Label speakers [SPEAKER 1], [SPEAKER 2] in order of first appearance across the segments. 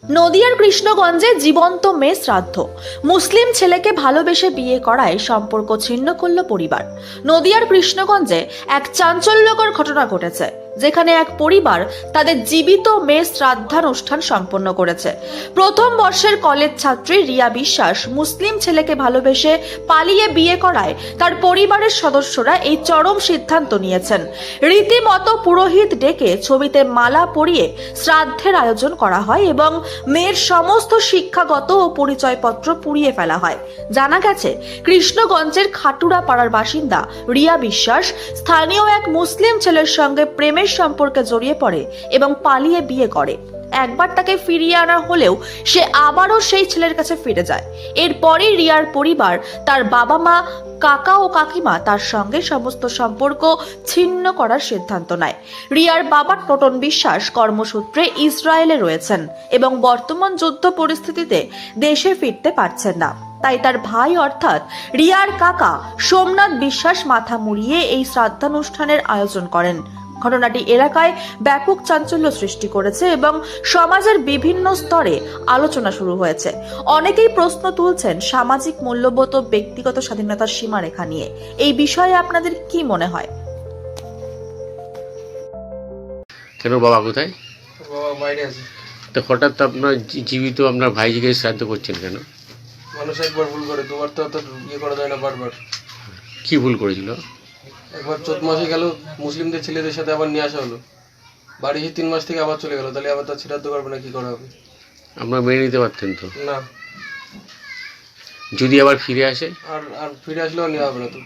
[SPEAKER 1] নদিয়ার কৃষ্ণগঞ্জে জীবন্ত মেয়ে শ্রাদ্ধ, মুসলিম ছেলেকে ভালোবেসে বিয়ে করায় সম্পর্ক ছিন্ন করল পরিবার। নদিয়ার কৃষ্ণগঞ্জে এক চাঞ্চল্যকর ঘটনা ঘটেছে, যেখানে এক পরিবার তাদের জীবিত মেয়ে শ্রাদ্ধানুষ্ঠান সম্পন্ন করেছে। প্রথম বর্ষের কলেজ ছাত্রী রিয়া বিশ্বাস মুসলিম ছেলেকে ভালোবেসে পালিয়ে বিয়ে করায় তার পরিবারের সদস্যরা এই চরম সিদ্ধান্ত নিয়েছেন। রীতিমতো পুরোহিত ডেকে ছবিতে মালা পরিয়ে শ্রাদ্ধের আয়োজন করা হয় এবং মেয়ের সমস্ত শিক্ষাগত ও পরিচয়পত্র পুড়িয়ে ফেলা হয়। জানা গেছে, কৃষ্ণগঞ্জের খাটুরা পাড়ার বাসিন্দা রিয়া বিশ্বাস স্থানীয় এক মুসলিম ছেলের সঙ্গে প্রেমের সম্পর্কে জড়িয়ে পড়ে এবং পালিয়ে বিয়ে করে। একবার তাকে ফিরিয়ে আনা হলেও সে আবারও সেই ছেলের কাছে ফিরে যায়। এরপরই রিয়ার পরিবার, তার বাবা মা, কাকা ও কাকিমা তার সঙ্গে সমস্ত সম্পর্ক ছিন্ন করার সিদ্ধান্ত নেয়। রিয়ার বাবা টোটন বিশ্বাস কর্মসূত্রে ইসরায়েলে রয়েছেন এবং বর্তমান যুদ্ধ পরিস্থিতিতে দেশে ফিরতে পারছেন না। তাই তার ভাই অর্থাৎ রিয়ার কাকা সোমনাথ বিশ্বাস মাথা মুড়িয়ে এই শ্রাদ্ধানুষ্ঠানের আয়োজন করেন। ঘটনাটি এলাকায় ব্যাপক চাঞ্চল্য সৃষ্টি করেছে এবং সমাজের বিভিন্ন স্তরে আলোচনা শুরু হয়েছে। অনেকেই প্রশ্ন তুলছেন সামাজিক মূল্যবোধ ও ব্যক্তিগত স্বাধীনতার সীমারেখা নিয়ে। এই বিষয়ে আপনাদের কি মনে হয়?
[SPEAKER 2] কেন বাবা কোথায়?
[SPEAKER 3] বাবা বাইরে আছে।
[SPEAKER 2] তো হঠাৎ আপনার জীবিত আপনার ভাইজিকে শ্রাদ্ধ করছেন কেন?
[SPEAKER 3] মানুষ একবার ভুল করে, দুবার তো অত ইয়ে করা যায় না। বারবার
[SPEAKER 2] কি ভুল করেছিল?
[SPEAKER 3] একবার 14 মাসে গেল, মুসলিমদের ছেলেদের সাথে আবার নিয়ে আসা হলো। বাড়ি এসে 3 মাস থেকে আবার চলে গেল, তাহলে আবার তার শ্রাদ্ধ করবে না, কি করা হবে?
[SPEAKER 2] আপনারা মেনে নিতে পারতেন তো?
[SPEAKER 3] না।
[SPEAKER 2] যদি আবার ফিরে আসে?
[SPEAKER 3] আর ফিরে আসলেও নেওয়া হবে না তো।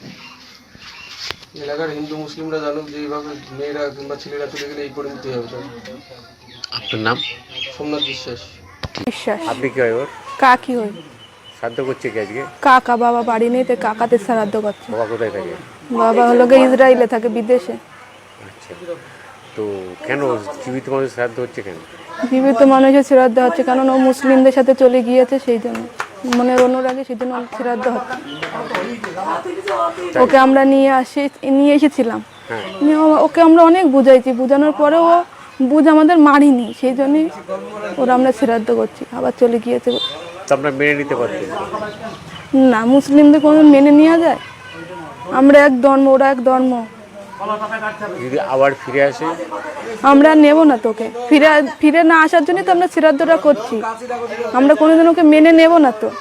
[SPEAKER 3] এলাকার হিন্দু মুসলিমরা জানুক যে এইভাবে মেয়েরা কিংবা ছেলেরা চলে গেলে এই পরিণতি হবে তার।
[SPEAKER 2] আপনার নাম?
[SPEAKER 3] সোমনাথ বিশ্বাস।
[SPEAKER 4] বিশ্বাস।
[SPEAKER 2] আপনি কি হয় ওর?
[SPEAKER 4] কাকি হই।
[SPEAKER 2] শ্রাদ্ধ করছে কি আজকে?
[SPEAKER 4] কাকা, বাবা বাড়ি নেই তো কাকাতে শ্রাদ্ধ করছে।
[SPEAKER 2] বাবা কোথায় থাকে?
[SPEAKER 4] বাবা হলো গিয়ে ইসরায়েলে থাকে, বিদেশে।
[SPEAKER 2] আচ্ছা, তো কেন জীবিত মানুষ শ্রাদ্ধ হচ্ছে কেন?
[SPEAKER 4] জীবিত মানুষের শ্রাদ্ধ হচ্ছে কারণ ও মুসলিমদের সাথে চলে গিয়েছে, সেই জন্য মনের অনুরাগে সেই জন্য শ্রাদ্ধ হচ্ছে। ওকে আমরা নিয়ে এসেছিলাম। ওকে আমরা অনেক বুঝাইছি, বুঝানোর পরেও ও বুঝ আমাদের মারিনি, সেই জন্যই ওরা আমরা শ্রাদ্ধ করছি। আবার চলে গিয়েছে।
[SPEAKER 2] তো আপনারা মেনে নিতে পারতেন?
[SPEAKER 4] না, মুসলিমদের কোনো মেনে নেওয়া যায়? আমরা এক ধর্ম, ওরা এক ধর্ম।
[SPEAKER 2] যদি আবার ফিরে আসে?
[SPEAKER 4] আমরা নেব না তোকে। ফিরে না আসার জন্যই তো আমরা শ্রাদ্ধটা করছি। আমরা কোনোদিন ওকে মেনে নেব না তো।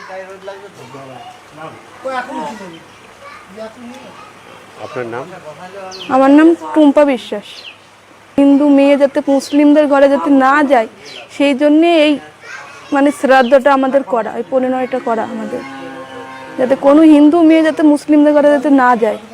[SPEAKER 2] আপনার নাম?
[SPEAKER 4] আমার নাম টুম্পা বিশ্বাস। হিন্দু মেয়ে যাতে মুসলিমদের ঘরে যাতে না যায়, সেই জন্যে এই শ্রাদ্ধটা আমাদের করা, এই পরিণয়টা করা আমাদের, যাতে কোনো হিন্দু মেয়ে যাতে মুসলিমদের ঘরে যাতে না যায়।